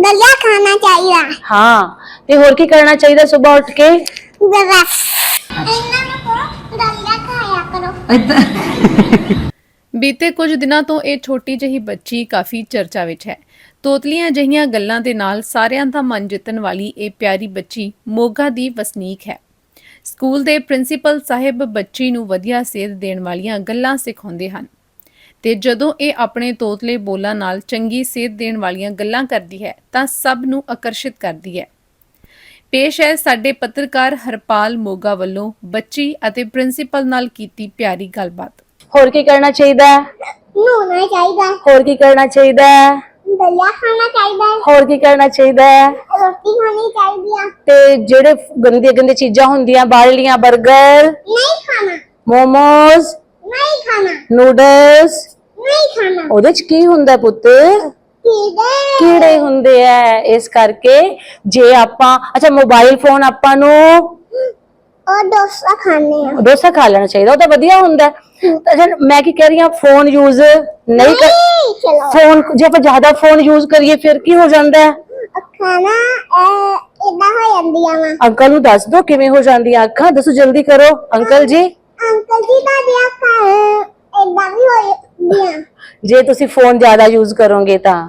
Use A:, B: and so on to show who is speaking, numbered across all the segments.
A: दलिया खाना चाहिए।
B: हाँ ते होर की करना चाहिए सुबह उठ के?
A: बस इन्ना नु करो दलिया खाया करो।
C: ਬੀਤੇ ਕੁਝ ਦਿਨਾਂ ਤੋਂ ਇਹ ਛੋਟੀ ਜਿਹੀ ਬੱਚੀ ਕਾਫੀ ਚਰਚਾ ਵਿੱਚ ਹੈ। ਤੋਤਲੀਆਂ ਜਿਹੀਆਂ ਗੱਲਾਂ ਦੇ ਨਾਲ ਸਾਰਿਆਂ ਦਾ ਮਨ ਜਿੱਤਣ ਵਾਲੀ ਇਹ ਪਿਆਰੀ ਬੱਚੀ ਮੋਗਾ ਦੀ ਵਸਨੀਕ ਹੈ। ਸਕੂਲ ਦੇ ਪ੍ਰਿੰਸੀਪਲ ਸਾਹਿਬ ਬੱਚੀ ਨੂੰ ਵਧੀਆ ਸੇਧ ਦੇਣ ਵਾਲੀਆਂ ਗੱਲਾਂ ਸਿਖਾਉਂਦੇ ਹਨ ਤੇ ਜਦੋਂ ਇਹ ਆਪਣੇ ਤੋਤਲੇ ਬੋਲਾਂ ਨਾਲ ਚੰਗੀ ਸੇਧ ਦੇਣ ਵਾਲੀਆਂ ਗੱਲਾਂ ਕਰਦੀ ਹੈ ਤਾਂ ਸਭ ਨੂੰ ਆਕਰਸ਼ਿਤ ਕਰਦੀ ਹੈ। ਪੇਸ਼ ਹੈ ਸਾਡੇ ਪੱਤਰਕਾਰ ਹਰਪਾਲ ਮੋਗਾ ਵੱਲੋਂ ਬੱਚੀ ਅਤੇ ਪ੍ਰਿੰਸੀਪਲ ਨਾਲ ਕੀਤੀ ਪਿਆਰੀ ਗੱਲਬਾਤ।
B: होर की करना चाहिए?
A: नहाना चाहिए।
B: होर की करना चाहिए?
A: दलिया खाना चाहिए।
B: होर की करना चाहिए?
A: रोटी खानी चाहिए।
B: ते जेड़े गंदी गंदी चीजां हुंदियां बाहरलियां बर्गर
A: नहीं खाना।
B: मोमोज
A: नहीं खाना।
B: नूडल्स
A: नहीं खाना।
B: ਉਹਦੇ ਚ ਕੀ ਹੁੰਦਾ ਪੁੱਤ? ਕੀੜੇ ਹੁੰਦੇ ਐ। ਇਸ ਕਰਕੇ ਜੇ ਆਪਾਂ ਅੱਛਾ ਮੋਬਾਈਲ ਫੋਨ ਆਪਾਂ ਨੂੰ
A: और डोसा खाने हैं।
B: ਡੋਸਾ ਖਾ ਲੈਣਾ ਚਾਹੀਦਾ, ਉਹ ਤਾਂ ਵਧੀਆ ਹੁੰਦਾ। ਅੱਛਾ ਮੈਂ ਕੀ ਕਹਿ ਰਹੀ ਹਾਂ ਫੋਨ ਯੂਜ਼ ਨਹੀਂ ਕਰ
A: चलो
B: ਫੋਨ ਜੇ ਆਪਾਂ ਜ਼ਿਆਦਾ ਫੋਨ ਯੂਜ਼ ਕਰੀਏ ਫਿਰ ਕੀ ਹੋ ਜਾਂਦਾ ਹੈ?
A: खाना इदा हो ਜਾਂਦੀਆਂ ਵਾ।
B: ਅੰਕਲ ਨੂੰ ਦੱਸ ਦੋ ਕਿਵੇਂ ਹੋ ਜਾਂਦੀਆਂ ਅੱਖਾਂ, ਦੱਸੋ ਜਲਦੀ ਕਰੋ ਅੰਕਲ ਜੀ।
A: ਅੰਕਲ ਜੀ ਦਾ ਅੱਖਾਂ ਇਦਾਂ ਵੀ ਹੋ ਜਾਂਦੀਆਂ
B: ਜੇ ਤੁਸੀਂ ਫੋਨ ਜ਼ਿਆਦਾ ਯੂਜ਼ ਕਰੋਗੇ ਤਾਂ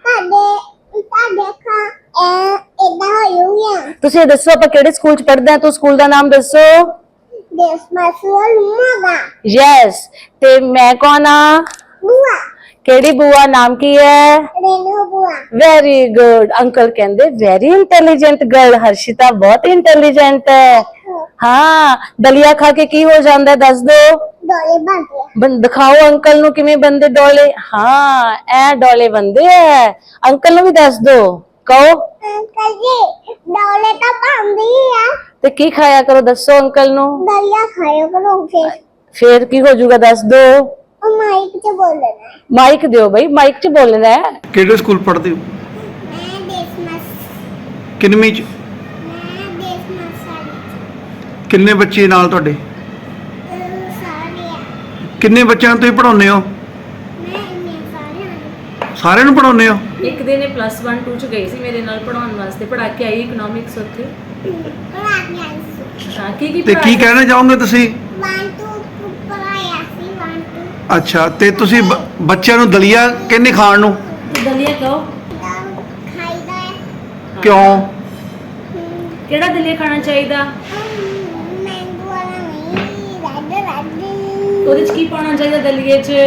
A: ਤੁਹਾਡੇ ਅੱਖਾਂ ਇਦਾਂ ਹੋ ਜਾਂਦੀਆਂ।
B: ਤੁਸੀਂ ਇਹ ਦੱਸੋ ਆਪਾਂ ਕਿਹੜੇ ਸਕੂਲ ਚ ਪੜ੍ਹਦੇ ਹਾਂ? ਤੂੰ ਸਕੂਲ ਦਾ ਨਾਮ ਦੱਸੋ।
A: ਦੇਸ ਮਸੂਲ ਮੋਗਾ।
B: ਯੈਸ ਤੇ ਮੈਂ ਕੌਣ ਆ?
A: ਬੁਆ।
B: ਕਿਹੜੀ ਬੂਆ? ਨਾਮ ਕੀ ਹੈ?
A: ਰੇਨੂ ਬੁਆ।
B: Very good. ਅੰਕਲ ਕਹਿੰਦੇ ਵੈਰੀ ਇੰਟੈਲੀਜੈਂਟ ਗਰਲ। ਹਰਸ਼ਿਤਾ ਬਹੁਤ ਇੰਟੈਲੀਜੈਂਟ ਹੈ। ਹਾਂ ਦਲੀਆ ਖਾ ਕੇ ਕੀ ਹੋ ਜਾਂਦਾ ਹੈ ਦੱਸ ਦੋ।
A: ਡੋਲੇ ਬਣਦੇ।
B: ਦਿਖਾਓ ਅੰਕਲ ਨੂੰ ਕਿਵੇਂ ਬੰਦੇ ਡੋਲੇ। ਹਾਂ ਐ ਡੋਲੇ ਬੰਦੇ ਐ। ਅੰਕਲ ਨੂੰ ਵੀ ਦੱਸ ਦੋ, ਕਹੋ।
A: ਅੰਕਲ ਜੀ ਡੋਲੇ ਤਾਂ ਬਣਦੀ ਆ।
B: ਤੇ ਕੀ ਖਾਇਆ ਕਰੋ ਦੱਸੋ ਅੰਕਲ ਨੂੰ।
A: ਦਲੀਆ ਖਾਇਆ ਕਰੋ।
B: ਫੇਰ ਕੀ ਹੋ ਜਾਊਗਾ ਦੱਸ ਦੋ।
A: ਉਹ ਮਾਈਕ 'ਚ ਬੋਲਣਾ।
B: ਮਾਈਕ ਦਿਓ ਬਈ, ਮਾਈਕ 'ਚ ਬੋਲਣਾ ਹੈ।
D: ਕਿਹੜੇ ਸਕੂਲ ਪੜ੍ਹਦੇ ਹੋ?
A: ਮੈਂ ਦੇਸਮਸ।
D: ਕਿੰਨਵੀਂ ਚ?
A: ਮੈਂ ਦੇਸਮਸ ਸਾਰੀ
D: ਕਿੰਨੇ ਬੱਚੇ ਨਾਲ ਤੁਹਾਡੇ?
A: ਸਾਰੇ ਆ।
D: ਕਿੰਨੇ ਬੱਚਿਆਂ ਨੂੰ ਤੁਸੀਂ ਪੜ੍ਹਾਉਂਦੇ ਹੋ?
A: ਮੈਂ ਇੰਨੇ ਸਾਰੇ
D: ਸਾਰਿਆਂ ਨੂੰ ਪੜ੍ਹਾਉਂਦੇ ਹੋ?
E: ਇੱਕ ਦਿਨ ਇਹ +1 2 ਚ ਗਈ ਸੀ ਮੇਰੇ ਨਾਲ ਪੜਾਉਣ ਵਾਸਤੇ, ਪੜਾ ਕੇ ਆਈ ਇਕਨੋਮਿਕਸ ਉੱਥੇ।
A: ਪੜਾ ਕੇ ਆਈ ਸੀ।
E: ਹਾਂ
D: ਤੇ ਕੀ
E: ਪੜ੍ਹਾਇਆ?
D: ਕਹਿਣਾ ਚਾਹੋਗੇ ਤੁਸੀਂ?
A: 1 2 ਪੜਾਇਆ ਸੀ 1 2
D: ਅੱਛਾ ਤੇ ਤੁਸੀਂ ਬੱਚਿਆਂ ਨੂੰ ਦਲੀਆ ਕਹਿੰਦੇ ਖਾਣ ਨੂੰ
E: ਦਲੀਆ ਕਹੋ।
A: ਖਾਈਦਾ ਹੈ।
D: ਕਿਉਂ?
E: ਕਿਹੜਾ ਦਲੀਆ ਖਾਣਾ ਚਾਹੀਦਾ?
A: ਮੈਂਗੋ ਵਾਲਾ ਨਹੀਂ, ਰੈੱਡ
E: ਉਹਦੇ ਚ ਕੀ ਪਾਉਣਾ ਚਾਹੀਦਾ ਦਲੀਏ ਚ?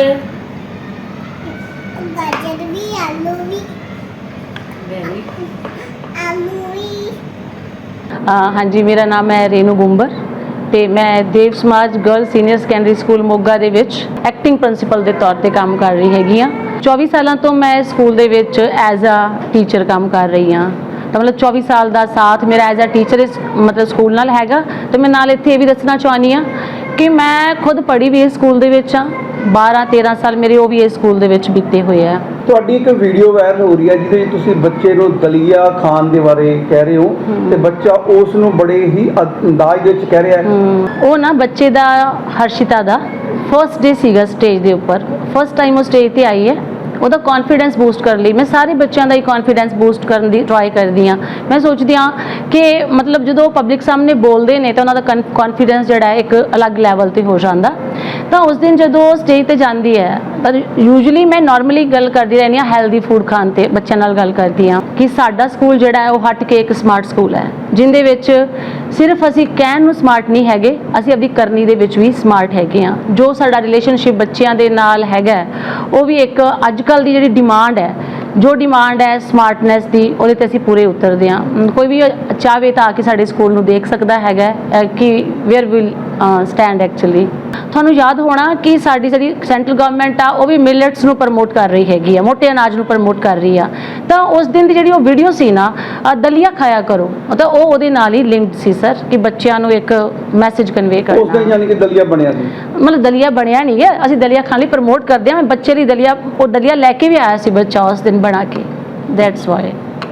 A: ਗਾਜਰ ਵੀ, ਆਲੂ ਵੀ।
E: ਵੈਰੀ
A: ਆਲੂ ਵੀ।
B: ਹਾਂਜੀ ਮੇਰਾ ਨਾਮ ਹੈ ਰੇਨੂ ਗੁੰਬਰ ਤੇ ਮੈਂ Dev Samaj girl senior secondary school Moga ਦੇ ਵਿੱਚ ਐਕਟਿੰਗ ਪ੍ਰਿੰਸੀਪਲ ਦੇ ਤੌਰ ਤੇ ਕੰਮ ਕਰ ਰਹੀ ਹੈਗੀ ਆ। 24 ਸਾਲਾਂ ਤੋਂ ਮੈਂ ਸਕੂਲ ਦੇ ਵਿੱਚ ਐਜ਼ ਅ ਟੀਚਰ ਕੰਮ ਕਰ ਰਹੀ ਹਾਂ। ਤਾਂ ਮਤਲਬ 24 ਸਾਲ ਦਾ ਸਾਥ ਮੇਰਾ ਐਜ਼ ਅ ਟੀਚਰ ਇਸ ਮਤਲਬ ਸਕੂਲ ਨਾਲ ਹੈਗਾ। ਤੇ ਮੈਂ ਨਾਲ ਇੱਥੇ ਇਹ ਵੀ ਦੱਸਣਾ ਚਾਹੁੰਦੀ ਹਾਂ ਕਿ ਮੈਂ ਖੁਦ ਪੜ੍ਹੀ ਵੀ ਇਸ ਸਕੂਲ ਦੇ ਵਿੱਚ ਆ। 12 13 ਸਾਲ ਮੇਰੇ ਉਹ ਵੀ ਇਸ ਸਕੂਲ ਦੇ ਵਿੱਚ ਬੀਤੇ ਹੋਏ ਆ।
F: ਤੁਹਾਡੀ ਇੱਕ ਵੀਡੀਓ ਵਾਇਰਲ ਹੋ ਰਹੀ ਹੈ ਜਿਹਦੇ ਵਿੱਚ ਤੁਸੀਂ ਬੱਚੇ ਨੂੰ ਦਲੀਆ ਖਾਣ ਦੇ ਬਾਰੇ ਕਹਿ ਰਹੇ ਹੋ ਤੇ ਬੱਚਾ ਉਸ ਨੂੰ ਬੜੇ ਹੀ ਅੰਦਾਜ਼ ਦੇ ਵਿੱਚ ਕਹਿ ਰਿਹਾ ਹੈ।
B: ਉਹ ਨਾ ਬੱਚੇ ਦਾ ਹਰਸ਼ਿਤਾ ਦਾ ਫਰਸਟ ਡੇ ਸੀਗਾ ਸਟੇਜ ਦੇ ਉੱਪਰ। ਫਸਟ ਟਾਈਮ ਉਹ ਸਟੇਜ ਤੇ ਆਈ ਹੈ। ਉਹਦਾ ਕੌਨਫੀਡੈਂਸ ਬੂਸਟ ਕਰਨ ਲਈ ਮੈਂ ਸਾਰੇ ਬੱਚਿਆਂ ਦਾ ਹੀ ਕੌਨਫੀਡੈਂਸ ਬੂਸਟ ਕਰਨ ਦੀ ਟਰਾਈ ਕਰਦੀ ਹਾਂ। ਮੈਂ ਸੋਚਦੀ ਹਾਂ ਕਿ ਮਤਲਬ ਜਦੋਂ ਪਬਲਿਕ ਸਾਹਮਣੇ ਬੋਲਦੇ ਨੇ ਤਾਂ ਉਹਨਾਂ ਦਾ ਕੌਨਫੀਡੈਂਸ ਜਿਹੜਾ ਹੈ ਇੱਕ ਅਲੱਗ ਲੈਵਲ ਤੇ ਹੋ ਜਾਂਦਾ। ਤਾਂ ਉਸ ਦਿਨ ਜਦੋਂ ਸਟੇਜ ਤੇ ਜਾਂਦੀ ਹੈ ਪਰ ਯੂਜੂਅਲੀ ਮੈਂ ਨਾਰਮਲੀ ਗੱਲ ਕਰਦੀ ਰਹਿੰਦੀ ਹਾਂ ਹੈਲਦੀ ਫੂਡ ਖਾਣ ਤੇ ਬੱਚਿਆਂ ਨਾਲ ਗੱਲ ਕਰਦੀ ਹਾਂ ਕਿ ਸਾਡਾ ਸਕੂਲ ਜਿਹੜਾ ਹੈ ਉਹ ਹਟ ਕੇ ਇੱਕ ਸਮਾਰਟ ਸਕੂਲ ਹੈ ਜਿਹਦੇ ਵਿੱਚ ਸਿਰਫ ਅਸੀਂ ਕਹਿਣ ਨੂੰ ਸਮਾਰਟ ਨਹੀਂ ਹੈਗੇ, ਅਸੀਂ ਆਪਣੀ ਕਰਨੀ ਦੇ ਵਿੱਚ ਵੀ ਸਮਾਰਟ ਹੈਗੇ ਹਾਂ। ਜੋ ਸਾਡਾ ਰਿਲੇਸ਼ਨਸ਼ਿਪ ਬੱਚਿਆਂ ਦੇ ਨਾਲ ਹੈਗਾ ਉਹ ਵੀ ਇੱਕ ਅੱਜ ਕੱਲ੍ਹ ਦੀ ਜਿਹੜੀ ਡਿਮਾਂਡ ਹੈ, ਜੋ ਡਿਮਾਂਡ ਹੈ ਸਮਾਰਟਨੈਸ ਦੀ, ਉਹਦੇ ਤੇ ਅਸੀਂ ਪੂਰੇ ਉਤਰਦੇ ਹਾਂ। ਕੋਈ ਵੀ ਚਾਹਵੇ ਤਾਂ ਆ ਕੇ ਸਾਡੇ ਸਕੂਲ ਨੂੰ ਦੇਖ ਸਕਦਾ ਹੈਗਾ ਕਿ ਵੇਅਰ ਵਿਲ ਸਟੈਂਡ ਐਕਚੁਅਲੀ। ਤੁਹਾਨੂੰ ਯਾਦ ਹੋਣਾ ਕਿ ਸਾਡੀ ਜਿਹੜੀ ਸੈਂਟਰਲ ਗਵਰਨਮੈਂਟ ਆ ਉਹ ਵੀ ਮਿਲਟਸ ਨੂੰ ਪ੍ਰਮੋਟ ਕਰ ਰਹੀ ਹੈਗੀ ਆ, ਮੋਟੇ ਅਨਾਜ ਨੂੰ ਪ੍ਰਮੋਟ ਕਰ ਰਹੀ ਆ। ਤਾਂ ਉਸ ਦਿਨ ਦੀ ਜਿਹੜੀ ਉਹ ਵੀਡੀਓ ਸੀ ਨਾ ਦਲੀਆ ਖਾਇਆ ਕਰੋ, ਤਾਂ ਉਹ ਉਹਦੇ ਨਾਲ ਹੀ ਲਿੰਕਡ ਸੀ ਸਰ ਕਿ ਬੱਚਿਆਂ ਨੂੰ ਇੱਕ ਮੈਸੇਜ ਕਨਵੇ ਕਰਨਾ।
F: ਉਸ ਦਿਨ ਯਾਨੀ ਕਿ ਦਲੀਆ ਬਣਿਆ ਸੀ?
B: ਮਤਲਬ ਦਲੀਆ ਬਣਿਆ ਨਹੀਂ ਹੈ, ਅਸੀਂ ਦਲੀਆ ਖਾਣ ਲਈ ਪ੍ਰਮੋਟ ਕਰਦੇ ਹਾਂ। ਮੈਂ ਬੱਚੇ ਲਈ ਦਲੀਆ, ਉਹ ਦਲੀਆ ਲੈ ਕੇ ਵੀ ਆਇਆ ਸੀ ਬੱਚਾ ਉਸ ਦਿਨ ਬਣਾ ਕੇ। That's why.